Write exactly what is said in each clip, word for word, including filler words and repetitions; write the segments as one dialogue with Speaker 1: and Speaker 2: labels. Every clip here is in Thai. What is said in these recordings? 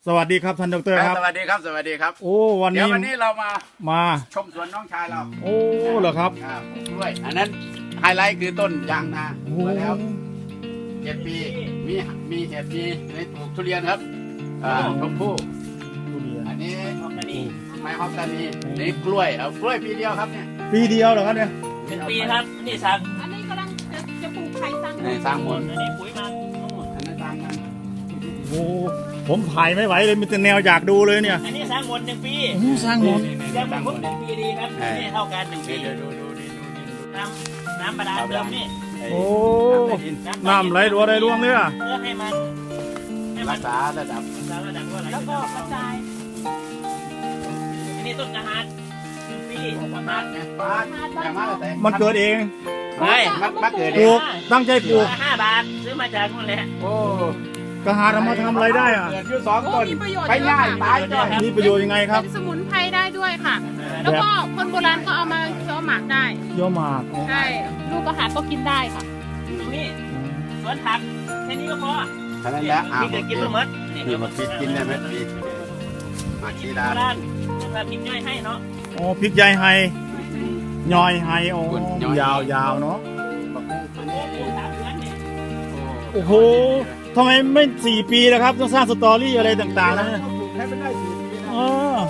Speaker 1: สวัสดีครับท่านดรครับ
Speaker 2: สวัสดีครับสวัสดีครับ
Speaker 1: โอ้วันนี้
Speaker 2: เดี๋ยววันนี้เรามา
Speaker 1: มา
Speaker 2: ชมสวนน้องชายเรา
Speaker 1: โอ้เหรอครับ
Speaker 2: อ่าปลูกกล้วยอันนั้นไฮไลท์คือต้นยางนาปลูกมาแล้วเจ็ดปีมีมีเห็ดมีในปลูกทุเรียนครับอ่าชมพู่
Speaker 1: ทุเรียน
Speaker 2: อันนี้ไม้ฮอกกานีนี่กล้วยเอากล้วยปีเดียวครับเนี่ย
Speaker 1: ปีเดียวเหรอครับเนี่ย
Speaker 3: เป็นปีครับนี่สั่ง
Speaker 4: อันนี้กำลังจะจะปลูกไผ่สร้าง
Speaker 2: ในสร้างหมด
Speaker 3: อันนี้ปุ๋ยมาทั้งหมด
Speaker 2: อันนั้นสร้างกัน
Speaker 1: โอ้ผมถ่ายไม่ไหวเลยมีแต่แนวอยากดูเลยเนี่ย
Speaker 3: อันนี้สร้างหมดหนึ่งปี
Speaker 1: โอ้สร้างหมด
Speaker 3: ยังไม่ครบหนึ่งปีดีครับนี่เท่ากันหนึ่งปี
Speaker 2: เดี๋ยวดูดูดูดูดู
Speaker 3: น้ำน้ำบาดาลเดิมนี่
Speaker 1: โอ้น้ำไหลรัวได้ร่วงเลยอ่ะ
Speaker 3: เพื่อให้มันให้มั
Speaker 2: รั
Speaker 3: น
Speaker 2: กษาระดับ
Speaker 3: รักษาระดับว่าอะไร
Speaker 4: แล้วก็กระจาย
Speaker 3: อันนี้ต้นกระหาดหนึ่งปีกระหาด
Speaker 2: เนี่ยป้าอย่างมากแต่
Speaker 1: มันเกิดเอง
Speaker 3: ไม่
Speaker 2: มักมักเกิด
Speaker 1: ป
Speaker 2: เอ
Speaker 1: ลู
Speaker 2: ง
Speaker 1: กตั้งใจปลูก
Speaker 3: ห้าบาทซื้อมาจากนู่นแหละ
Speaker 2: โอ้
Speaker 1: กระหาเอามาทำอะไรได้อ่ะ
Speaker 2: เกิดอยู่สอง
Speaker 4: โอ้
Speaker 2: ต้น
Speaker 4: มีประโยชน์
Speaker 2: ไป
Speaker 4: เยอะ
Speaker 2: ง่าย
Speaker 4: ค่ะ
Speaker 2: ตายจ้อย
Speaker 1: มีประโยชน์ยังไงครับ
Speaker 4: เป็นสมุนไพรได้ด้วยค่ะ แล้วก็คนโบราณก็เอามาเคี้ยวหมากได้
Speaker 1: เยอะมาก
Speaker 4: ใช่ ลูกกระหาดก็กินได้ค่ะ
Speaker 3: ตรงนี้สวนผักแค่นี้ก็พอ
Speaker 2: เท่านั้นแหละอ่า
Speaker 3: นี่จะกินไม่หมด
Speaker 2: นี่มาคิดกินได้ไหมปีมาชีดา
Speaker 3: โบราณแบบกินย่อยให้เนาะ
Speaker 1: โอ้พริกใหญ่ไฮย่อยไฮโอ้ยาวยาวเนาะ
Speaker 3: สามเดือนเนี่ย
Speaker 1: โอ้โหทำไมไม่สี่ปีแล้วครับต้องสร้างสตอรี่อะไรต่างๆนะเนี่ย
Speaker 2: ให้มันได้สี่ปีนะ
Speaker 1: อ๋อ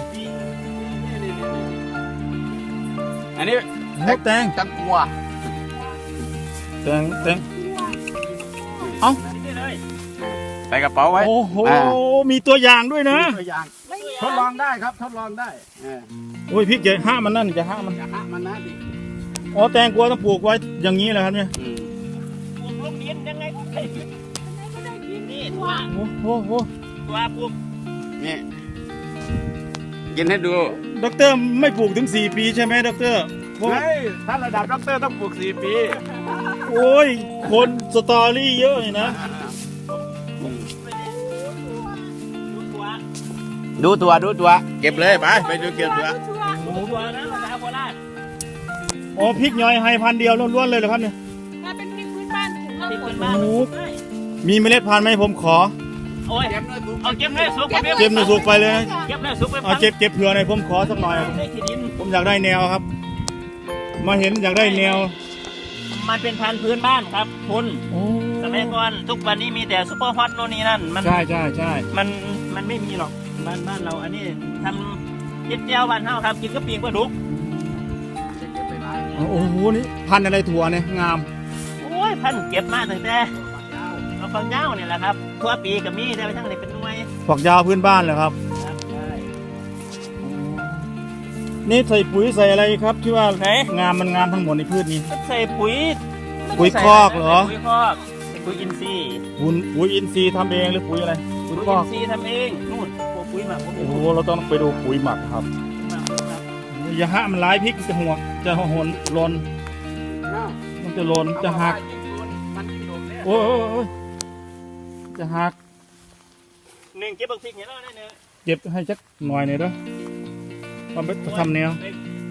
Speaker 2: อันนี้
Speaker 1: นกแตง
Speaker 2: จังกัว
Speaker 1: แตงแตงเอ้า
Speaker 3: นี่เลย
Speaker 2: ใส่กระเป๋าไว้
Speaker 1: โอ้โห
Speaker 2: อ่า
Speaker 1: มีตัวอย่างด้วยนะ
Speaker 2: ตัวอย่างทดลองได้ครับทดลองได้เออ
Speaker 1: โอ้ยพริกใหญ่ห้ามันนั่นจะห้ามัน
Speaker 2: อย่าหักมันนะดิ
Speaker 1: อ๋อแตงกวาต้องปลูกไว้อย่างนี้แหละครับเนี่ย
Speaker 2: อืม
Speaker 3: ปลูกลงดินยังไงก็ได้กินนี่ตัว
Speaker 1: โอ้โหโห
Speaker 3: ตัวปลูก
Speaker 2: นี่กินให้ดู
Speaker 1: ด็อกเตอร์ไม่ปลูกถึงสี่ปีใช่ไหมด็อกเตอร์เพราะ
Speaker 2: เฮ้ยถ้าระดับด็อกเตอร์ต้องปลูกสี่ปี
Speaker 1: โอ้ยคนสตอรี่เยอะนี่นะ
Speaker 3: ดูตัว
Speaker 2: ดูตัวดูตัวเก็บเลยไปไปดูเก็บตัว
Speaker 3: ดูตัวนะภาษาโบราณ
Speaker 1: อ๋อพริกย่อยไฮพันธุ์เดียวล้วนๆเลยเหรอครับเนี่ย
Speaker 4: ถ้าเป็นพริกพื้นบ้านถึงเรา
Speaker 3: ที่
Speaker 4: ผ
Speaker 3: พื้
Speaker 4: ล
Speaker 3: นบ้าน
Speaker 1: โอ้โห มีเมล็ดพันธุ์ไหมผมขอ
Speaker 3: โอ้ย
Speaker 2: เก็บเลยปลูก
Speaker 3: เอาเก็บเลยสุกไป
Speaker 1: เก็บในสุกไปเลยนะ
Speaker 3: เก็บเลยสุกไป
Speaker 1: เอาเจ็บเก็บเผื่อหน่อยผมขอสักหน่อย
Speaker 3: ได้ที่ดิน
Speaker 1: ผมอยากได้แนวครับ มาเห็นอยากได้แนว
Speaker 3: มันเป็นพันธุ์พื้นบ้านครับคุณ
Speaker 1: โอ้
Speaker 3: สมัยก่อนทุกวันนี้มีแต่ซุปเปอร์ฮอตโน่นนี่นั่นมัน
Speaker 1: ใช่ใช่ใช่
Speaker 3: มันมันไม่มีหรอกบ้านบ้านเราอันนี้ทำเจ็ดเจียวบ้านเฮาครับกินกะปิกปลาดุก
Speaker 1: โอ้โหนี่พันธุ์อะไรถั่วเนี่ยงาม
Speaker 3: โอ้ยพันธุ์เก็บมาตั้งแต่เอาฟังยาวเนี่ยแหละครับทั่วปีก็มีได้ไปทั้งไหนเป็นหน่วย
Speaker 1: ฝักยาวพื้นบ้านเหรอครับ
Speaker 3: ครับใช่
Speaker 1: นี่ใส่ปุ๋ยใส่อะไรครับที่ว่า
Speaker 3: ไหน
Speaker 1: งามมันงามทั้งหมดในพืชนี้
Speaker 3: ก็ใส่ปุ๋ย
Speaker 1: ปุ๋ยคอกเหรอ
Speaker 3: ใส่ปุ๋ยคอกใส่ปุ๋ยอินทรีย์
Speaker 1: ปุ๋ยปุ๋ยอินทรีย์ทำเองหรือปุ๋ยอะไรปุ๋
Speaker 3: ปุ๋
Speaker 1: ย
Speaker 3: ย
Speaker 1: คอ
Speaker 3: อิ
Speaker 1: ก
Speaker 3: นทรีย์ทำเองนู่นพวกปุ๋ยหมักพวก
Speaker 1: โอ้โหเราต้องไปดูปุ๋ยหมักครับอย่าหะมันร้ายพริกจะหัวจะหนหลนมันจะหลนจะหัก
Speaker 2: มันกินนมเนี่ย
Speaker 1: โอ้ยโอ้ยโอ้ยจะหัก
Speaker 3: หนึ่งเก็บบักพริกเนี่ยแล้วได้เนื้อ
Speaker 1: เก็บให้สักหน่อยหน่อยเด้อทำไปทำแนว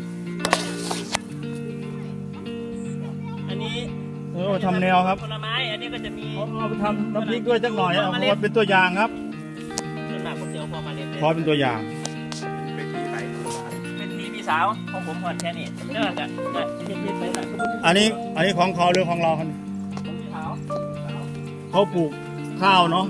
Speaker 3: อันนี้
Speaker 1: เออทำแนวครับ
Speaker 3: ผลไม้อันนี้ก็จะมี
Speaker 1: เอาไปทำน้ำพริกด้วยสักหน่อยเอาไว้เป็นตัวอย่างครับ
Speaker 3: ส่วนมากผมจะเอาพอมาเล่น
Speaker 1: ขอเป็นตัวอย่าง
Speaker 2: ไปขี่ไป
Speaker 3: เป็นทีพี่สาวของผมพอแค่นี้เลิกอ่ะเลิกเย็นๆไปหน่อย
Speaker 1: อันนี้อันนี้ของเขาหรือของเราครับ
Speaker 3: ผมพี่สาว
Speaker 1: เขาปลูกข้าวเนาะ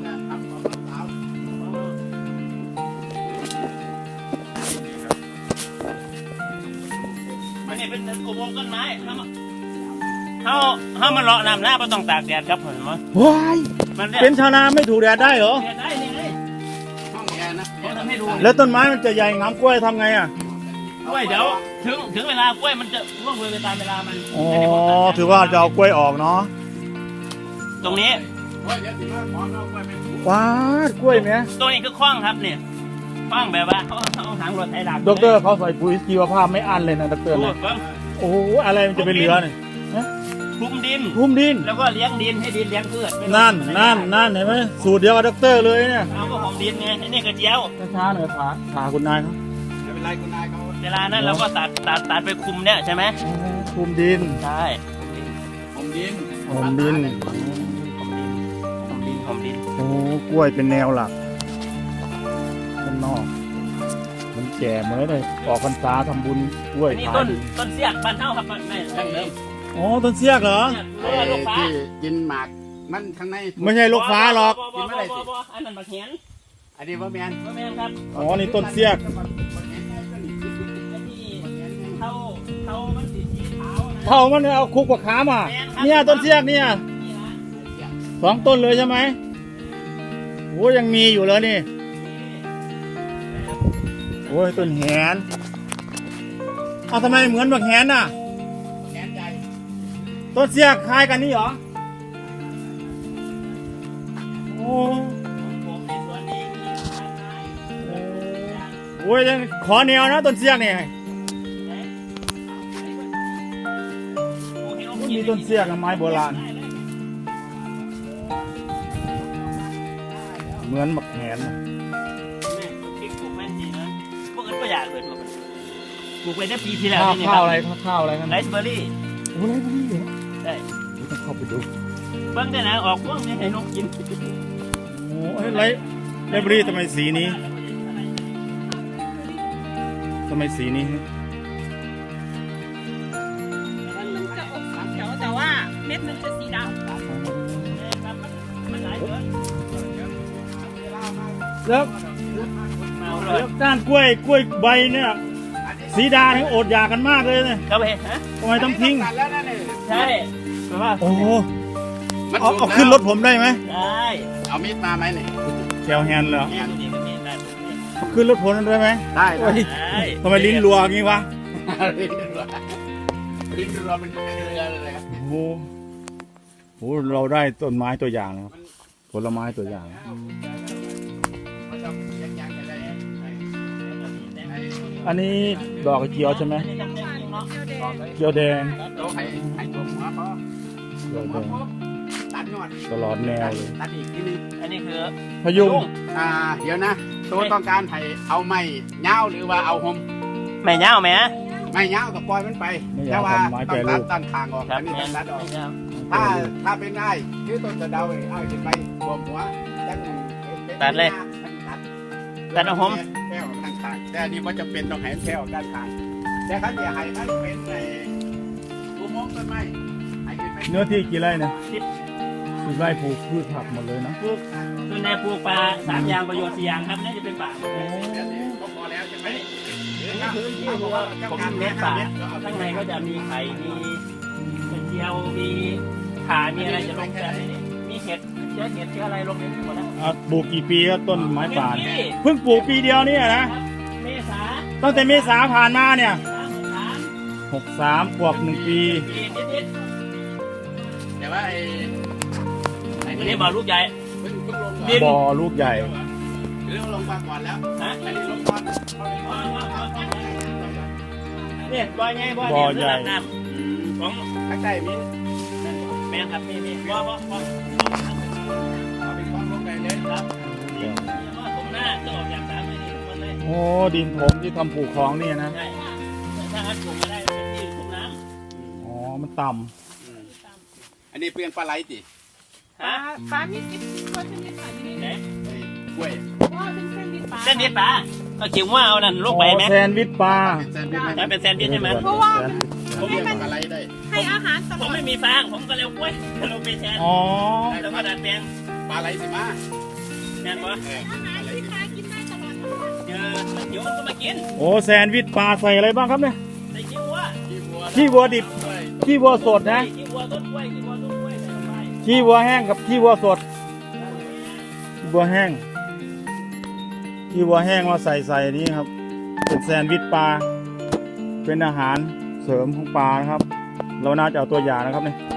Speaker 3: อันนี้เป็นอุโมงค์ต้นไม้เขาเขามาเลาะน้ำหน้าไม่ต้องตากแดดครับผมว่า
Speaker 1: ว้าย
Speaker 3: มัน
Speaker 1: เป็นชาวนาไม่ถูกแดดได้เหรอ
Speaker 3: แดดได้นี่ไง
Speaker 2: ห้องแอร์นะ
Speaker 3: ผมทำให้ดู
Speaker 1: แล้วต้นไม้มันจะใหญ่งามกล้วยทำไงอ่ะ
Speaker 3: กล้วยเดี๋ยวถึงถึงเวลากล้วยมันจะร่วงเลยไปตามเวลามัน
Speaker 1: อ๋อถือว่าจะเอากล้วยออกเนาะ
Speaker 3: ตรงนี้
Speaker 2: ว่าเดี๋ยวสิมาขอเราไปเป็น
Speaker 1: ว้าดกล้วยไหม
Speaker 3: ตรงนี้คือคว้างครับเนี่ยคว้างแบบว่าเขาเอาหางรถไถดัก
Speaker 1: ดอกเตอร์เขาใส่ปุ๋ยชีวภาพไม่อั้นเลยนะดอกเตอร์
Speaker 3: พู
Speaker 1: นะ
Speaker 3: ดว่า
Speaker 1: โอ้โหอะไรมันจะไปเหลือเนี่ย
Speaker 3: คลุมดิน
Speaker 1: พุ่มดิน
Speaker 3: แล้วก็เลี้ยงดินให้ดินเลี้ยงพืชไม่ต้อง
Speaker 1: นั่นนั่นนั่นเห็นไหมสูตรเดียวกับดอกเตอร์เลยเนี่ย
Speaker 3: เอาก็ของดินไงไอ้นี่กระเจียว
Speaker 1: ช้าๆหน่อยขาขาคุณนายครับ
Speaker 2: ไม่เป็นไรคุณนายเขา
Speaker 3: เวลานั้นเราก็ตัดตัดตัดไปคุมเนี่ยใช่ไหม
Speaker 1: พุ่มดิน
Speaker 3: ใช่
Speaker 2: ผมดิน
Speaker 1: พุ่มดิน
Speaker 3: คุมดินคุมดินคุมดิน
Speaker 1: โอ้กล้วยเป็นแนวหลักแก่เหมือนเลยออกพรรษาทำบุญกล้วย
Speaker 3: อันนี้
Speaker 1: ขาย
Speaker 3: ต้นต้นเสียกบ้านเฮาครับบ้านแม่ดั้งเดิม
Speaker 1: อ๋อต้นเสียกเหรอ
Speaker 3: เออลูกฟ้า
Speaker 2: ที่กินหมากมันข้างใน
Speaker 1: ไม่ใช่ลูกฟ้าหรอก
Speaker 3: บ่บ่บ่บ่บ่บ่อันนั้นบักเหียน
Speaker 2: อันนี้ว่าแมน
Speaker 3: บ่แม่นครับ
Speaker 1: อ๋อนี่ต้นเสียก
Speaker 3: อันนี้เท่าเท่ามันสีสีขาวนะ
Speaker 1: เท่ามันเอาคุกกับขามาเนี่ยต้นเสียกเนี่ย
Speaker 3: นี่นะ
Speaker 1: สองต้นเลยใช่ไหมโอ้ยังมีอยู่เลยนี่โอ้ยต้นแหนเอาทำไมเหมือนบักแหนน่ะ
Speaker 2: แขนใหญ่
Speaker 1: ต้นเสียกคล้ายกันนี่เหรอโอ้
Speaker 3: ผมในสวนนี้มีต้นไม้
Speaker 1: โอ้ยยังขอแนวนะต้นเสียกนี่มีต้นเสียกกับไม้โบราณเหมือนบักแหนน่ะ
Speaker 3: แม่ปลูกพริกปลูกแม่นดีนะพวกอื่นก็อยากเกิดมาปลูกไปได้ปีที่แล้ว
Speaker 1: ข้าว
Speaker 3: นี่
Speaker 1: ข้าวอะไรข้าวข้าวอะไรกัน
Speaker 3: ไรซ์เบอร์รี่
Speaker 1: โอ้ไรพวกนี้เหรอ
Speaker 3: ใช่
Speaker 1: ต้องเข้าไปดู
Speaker 3: เบิ้งได้นะออกพวกนี้ให้นกกิน
Speaker 1: โอ้ยไรไรบรีทำไมสีนี้ทำไมสีนี้ฮะ
Speaker 4: มันจะออกสีเขียวแต่ว่าเม็ดมันจะสีดำ
Speaker 3: มันหลายเดือน
Speaker 1: แล้ว
Speaker 3: มาเล
Speaker 1: แล้
Speaker 3: ยว
Speaker 1: ก้านกล้วยกล้วยใบเนี่ยสีดาทั้งอดอยากกันมากเลยเนี่ย
Speaker 3: ก็ไปฮะ
Speaker 1: ทำไมต้องทิ้ง
Speaker 2: ตัดแล้วนั่นเอง
Speaker 3: ใช่แปลว่า
Speaker 1: โอ้โห
Speaker 2: มัน
Speaker 1: เอา
Speaker 2: สุก
Speaker 1: เอา
Speaker 2: แล้ว
Speaker 1: ขึ้นรถผมได้ไหม
Speaker 3: ได้
Speaker 2: เอามีดมาไหมเนี่ย
Speaker 1: แคลแฮนด์เหรอ
Speaker 3: นี่นี่ก็มีได้
Speaker 1: เอาขึ้นรถผมได้ไหม
Speaker 2: ได้
Speaker 1: โอ้ย
Speaker 3: ได้
Speaker 1: ทำไมลิ้นรัวอย่างงี้วะ
Speaker 2: ลิ้นเรือลิ้นเรือเป็นเรือเลยครับ
Speaker 1: โอ้โหโอ้โหเราได้ต้นไม้ตัวอย่างนะครับผลไม้ตัวอย่าง
Speaker 2: มันจะยังๆกันได้ไอ้ไอ้
Speaker 1: อันนี้ดอกกระเจียวใช่ไหม
Speaker 3: อันนี้ทำได้จริงเนาะ
Speaker 4: เขียวแดง
Speaker 1: เจียวแดง
Speaker 2: เราให้ให้ตัวหัวพอ
Speaker 1: เจียว
Speaker 2: หั
Speaker 1: แด
Speaker 2: ว
Speaker 1: ง
Speaker 2: พอตัดยอด
Speaker 1: ตลอดแนวเลย
Speaker 2: ตัดอีกทีนึง
Speaker 3: อันนี้คือ
Speaker 1: พยุง
Speaker 2: อ่าเดี๋ยวนะ ตัวต้องการให้เอาไม้เงาหรือว่าเอาหม
Speaker 3: แม่เงาแม่
Speaker 2: ไม้เงากับปล่อยมันไป
Speaker 1: ไม่อ
Speaker 2: แต่
Speaker 1: ยาก
Speaker 2: ว่า
Speaker 1: ทำไม้แปร
Speaker 2: ต้อง
Speaker 1: รู
Speaker 2: ตัด
Speaker 1: ป
Speaker 2: ตัดทางออก
Speaker 3: ครั
Speaker 2: อั
Speaker 3: บ
Speaker 2: นนี้
Speaker 3: แม่
Speaker 2: ต้องตัดออก
Speaker 3: เงา
Speaker 2: ถ้าถ้าเป็นได้คือต้นกระเดาเลยเอาขึ้นไปรวมหัวจัง
Speaker 3: ตัดเลย
Speaker 2: ตัด
Speaker 3: ตัดเอาหอม
Speaker 2: แค่ออกด้านข้างแต่อันนี้ว่าจะเป็นต้องให้แค่ออกด้านข้างแต่เขาจะให้มันเป็นไอ้อุโมงค์ต้นไม้ให้ขึ้นไป
Speaker 1: เนื้อที่กี่ไร่นะ
Speaker 3: สิบ
Speaker 1: สิบไร่ปลูกพืชผักหมดเลยนะ
Speaker 3: ปลูกส่วนในปลูกปลาสามอย่างประโยชน์สี่อย่างครับนี่จะเป็นป่าหมดเลย
Speaker 2: เดี๋ยวนี้ก็พอแล้วใช่ไหม
Speaker 3: นี่คือที่วัวผมเลี้ยงป่าข้างในก็จะมีไข่มีกระเจียวมีขามีอะไรจะลงแต่นี่มีเห็ดเชื้อเห็ดเชื้ออะไรลงในนี้หมดแล้ว
Speaker 1: อ่ะปลูกกี่ปีครับต้นไม้ป่า
Speaker 3: เป็น
Speaker 1: เนี่ย
Speaker 3: ที่
Speaker 1: เพิ่งปลูกปีเดียวเนี่ยนะ
Speaker 3: เมษา
Speaker 1: ตั้งแต่เมษาผ่านมาเนี่ย
Speaker 3: สามสาม
Speaker 1: หกสามขวบหนึ่งปี
Speaker 3: ปีนิด
Speaker 2: แต่ว่าไอ้ไอ้
Speaker 3: ๆอัน
Speaker 2: นี่
Speaker 3: นี้บอกลูกใหญ่
Speaker 2: เพิ่งเพิ่งลง
Speaker 3: ดิน
Speaker 1: บ่อลูกใหญ่
Speaker 2: หรือลงมาก่อนแล้ว
Speaker 3: ฮะ
Speaker 2: อันนี้ลงก่อน
Speaker 3: เนี่ยบ่อใหญ่บ่อเนี่ยคือหลังน้ำของ
Speaker 2: ข้างใต้มี
Speaker 3: แม่ครับนี่นี่บ่อบ่อบ่อ
Speaker 2: เอาไปคล้องลงไปเลย
Speaker 3: ครับนี่ว่าผมหน้าจะออกจากสามเลยนี่ทุกคนเลย
Speaker 1: โอ้ดินถมที่ทำปลูกคลองนี่นะ
Speaker 3: ใช่ถ้างั้นปลูกมาได้เป็นที่ทุกน้ำ
Speaker 1: อ๋อมันต่
Speaker 2: อันนี้เปลี่ยนปลาไหลติ
Speaker 4: ปลาปลามีสิบตัวชนิดค่ะที่นี่
Speaker 3: ไหน
Speaker 2: ไอ้กล้วย
Speaker 4: ว่าเป็นเส้นดินปลา
Speaker 3: เส้นนิดปลาก็จิ๋วว่าเอานั่น
Speaker 1: ำ
Speaker 3: ลงไปไหม
Speaker 1: อ๋อแซนด์วิชปลา
Speaker 2: เป็นแซนด์วิชไหม
Speaker 3: ถ้าเป็นแซนด์วิชใช่ไหม
Speaker 4: เพราะว่า
Speaker 2: ผมเรียกปลาไหลได้
Speaker 4: ให้อาหารต
Speaker 3: ผ
Speaker 4: ล
Speaker 3: ม
Speaker 4: อด
Speaker 3: ไม่มีฟางผมก็เลยเอากล้วยลงไปแทน
Speaker 1: อ๋อ
Speaker 3: แล้วก็ดัดแปลง
Speaker 2: ปลาไหลสิมา
Speaker 3: แม่นบ่
Speaker 2: เออ
Speaker 4: อา
Speaker 2: ป
Speaker 4: หา
Speaker 2: ลาร ไหล
Speaker 4: ที่
Speaker 2: สิ
Speaker 4: ปลากินได้ตลอด
Speaker 3: เจอเดี๋ยวมันก็มากิน
Speaker 1: โอ้แซนด์วิชปลาใส่อะไรบ้างครับเนี่ย
Speaker 3: ใส่ขี้วัว
Speaker 2: ขี้วัว
Speaker 1: ขี้วัวดิบ
Speaker 2: กล้วย
Speaker 1: ขี้วัวสดนะ
Speaker 3: ขี้วัวต้นกล้วยขี้วัวต้นกล้วยใส่ลงไป
Speaker 1: ขี้วัวแห้งกับขี้วัวสดขี้วัวแห้งขี้วัวแห้งมาใส่ใส่นี้ครับ เป็นแซนด์วิชปลาเป็นอาหารเสริมของปลานะครับ เราน่าจะเอาตัวอย่างนะครับเนี่ย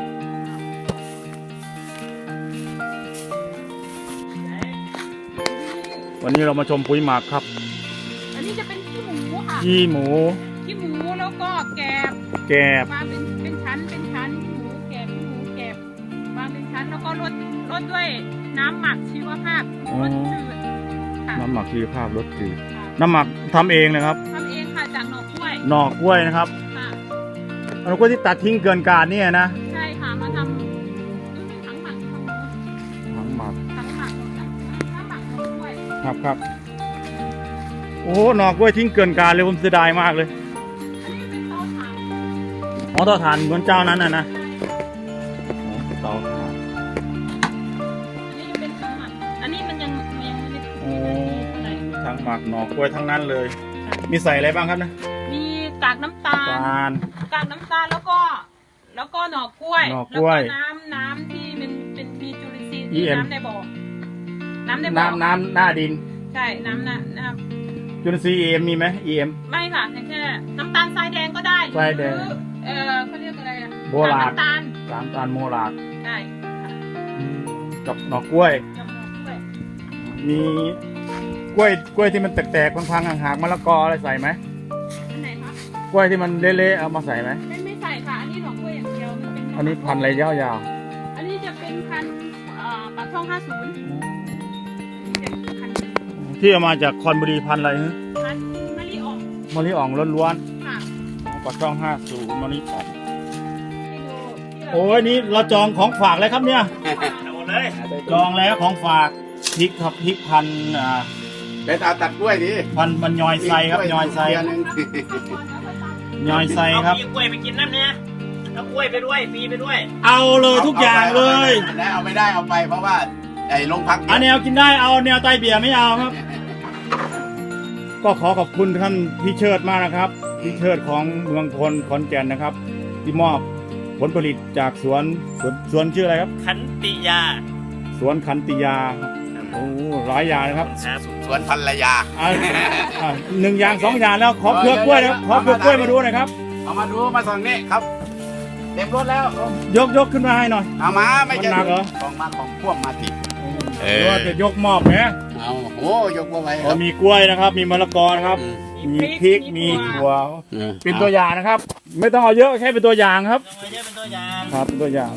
Speaker 1: วันนี้เรามาชมปุ๋ยหมักครับ
Speaker 4: อันนี้จะเป็นขี้หมูค่ะ
Speaker 1: ขี้หมู
Speaker 4: ขี้หมูแล้วก็แกบ
Speaker 1: แกบ
Speaker 4: มาเป็นเป็นชั้นเป็นชั้นขี้หมูแกบขี้หมูแกบมาเป็นชั้นแล้วก็รดรดด้วยน้ำหมักชีวภาพรสจืดค่ะ
Speaker 1: น้ำหมักชีวภาพรสจืด
Speaker 4: ค่ะ
Speaker 1: น้ำหมักทำเองนะครับ
Speaker 4: ทำเองค่ะจากหน่อกล้วย
Speaker 1: หน่อกล้วยนะครับ
Speaker 4: ค่ะ
Speaker 1: หน่อกล้วยที่ตัดทิ้งเกินการเนี่ยนะ
Speaker 4: ใช่ค่ะมาทำดูเป็นถังหมักทำ
Speaker 1: ถังหมัก
Speaker 4: ถังหมักถังหมักหน่อกล้วย
Speaker 1: ครับครับโอ้โหหนอกกล้วยทิ้งเกินการเลยผมเสียดายมากเลย
Speaker 4: เตาถ่าน
Speaker 1: อ๋อเตาถ่านเหมือนเจ้านั้นน่ะนะเตาถ่าน
Speaker 4: อันนี้เป็นถังหมักอันนี้มันยังยังไม่ได้
Speaker 1: โอ้
Speaker 4: อะไร
Speaker 1: ทั้งหมักหนอกกล้วยทั้งนั้นเลย มีใส่อะไรบ้างครับนะ
Speaker 4: มีกากน้ำตาล
Speaker 1: ตาล
Speaker 4: กากน้ำตาลแล้วก็ แล้วก็หน่อกล้วย
Speaker 1: หน่อกล้วย
Speaker 4: แน้ำน้ำที่มันเป็นมีจุลินทรีย์
Speaker 1: อี
Speaker 4: ที่
Speaker 1: เอ็ม
Speaker 4: น้ำในบ่อน้ำในบ่อ
Speaker 1: น้ำน้ำหน้าดิน
Speaker 4: ใช่น้ำน้ำน้
Speaker 1: จุลินทรีย์ อี เอ็ม มีไหม อี เอ็ม
Speaker 4: ำไม่ค่ะแค่แค่น้ำตาลทรายแดงก็ได้
Speaker 1: ทรายแดง
Speaker 4: หรือเออเขาเรียกอะไรอะ
Speaker 1: โบราณ
Speaker 4: น้ำตาล
Speaker 1: สามตาลโมลาด
Speaker 4: ใช่ค่ะ
Speaker 1: กับหนอกกล้วย
Speaker 4: กับหน่อกล้วย
Speaker 1: มีกล้วยกล้วยที่มันแตกๆพังๆห่างๆมะละกออะไรใส่ไหม
Speaker 4: อันไหนคะ
Speaker 1: กล้วยที่มันเละๆเอามาใส่ไหม
Speaker 4: ไม่ไม่ใส่ค่ะ อันนี้หน่อกล้วยอย่างเดียวมันเป็น
Speaker 1: อันนี้พันธุ์อะไรยาว
Speaker 4: อันนี้จะเป็นพันธุ์เอ่อปากช่องห้าศูนย์พันธุ์
Speaker 1: ๆที่เอามาจากคอนบุรีพันธุ์อะไรฮะ
Speaker 4: พันธุ์มะลิอ่อง
Speaker 1: มะลิอ่องล้วน
Speaker 4: ค่ะ
Speaker 1: ๆปากช่องห้าสูมะลิอ่อง
Speaker 4: ที่ดูที่เรา
Speaker 1: โอ้ยนี่เราจองของฝากเลยครับเนี่ย
Speaker 3: เอาหมดเลย
Speaker 1: จองแล้วของฝากพริกครับพริกพันธุ์อ่า
Speaker 2: ไปตาตัดกล้วยดิ
Speaker 1: พันธุ์มันยอยไซครับยอยไซ
Speaker 2: เดืนหนึ่ง
Speaker 1: ยอยไซครับ
Speaker 3: เอาปีกล้วยไปกินน้ำเนี่ยเอากล้วยไปด้วยปีไปด้วย
Speaker 1: เอาเลยทุกอย่างเลย
Speaker 2: แล้วเอาไม่ได้เอาไปเพราะว่าไอ้โรงพัก
Speaker 1: อันแนวกินได้เอาแนวไตเบียร์ไม่เอาครับ ก็ขอขอบคุณท่านพี่เชิดมากนะครับพี่เชิดของเมืองพลขอนแก่นนะครับ ที่มอบผลผลิตจากสวนสวนสวนชื่ออะไรครับ
Speaker 3: ขันติยา
Speaker 1: สวนขันติยาโอ้หลายอย่างนะครับ
Speaker 3: ครับ
Speaker 2: สวนภรรยา
Speaker 1: อ่าอ่าหนึ่งอย่างสองอย่างแล้วขอเครือกล้วยนะครับขอเครือกล้วยมาดูหน่อยครับ
Speaker 2: เอามาดูมาส่องนี่ครับ เต็มรถแล้ว
Speaker 1: ยกยกขึ้นมาให้หน่อย
Speaker 2: เอามาไม่
Speaker 1: มันหนักเหรอ
Speaker 2: ของมาของพ่วงมาติด เออ
Speaker 1: หรือว่าจะยกมอบไหม
Speaker 2: เอาโอ้ยกมาไว้ค
Speaker 1: อ๋
Speaker 2: รั
Speaker 1: อบ มีกล้วยนะครับ มีมะละกอนะครับ มีพริกมีถั่ว
Speaker 2: อืม
Speaker 1: เป็นตัวอย่างนะครับ ไม่ต้องเอาเยอะแค่เป็นตัวอย่างครับ
Speaker 3: เอาไว้เยอะเป็นตัวอย่าง
Speaker 1: ครับเป็นตัวอย่าง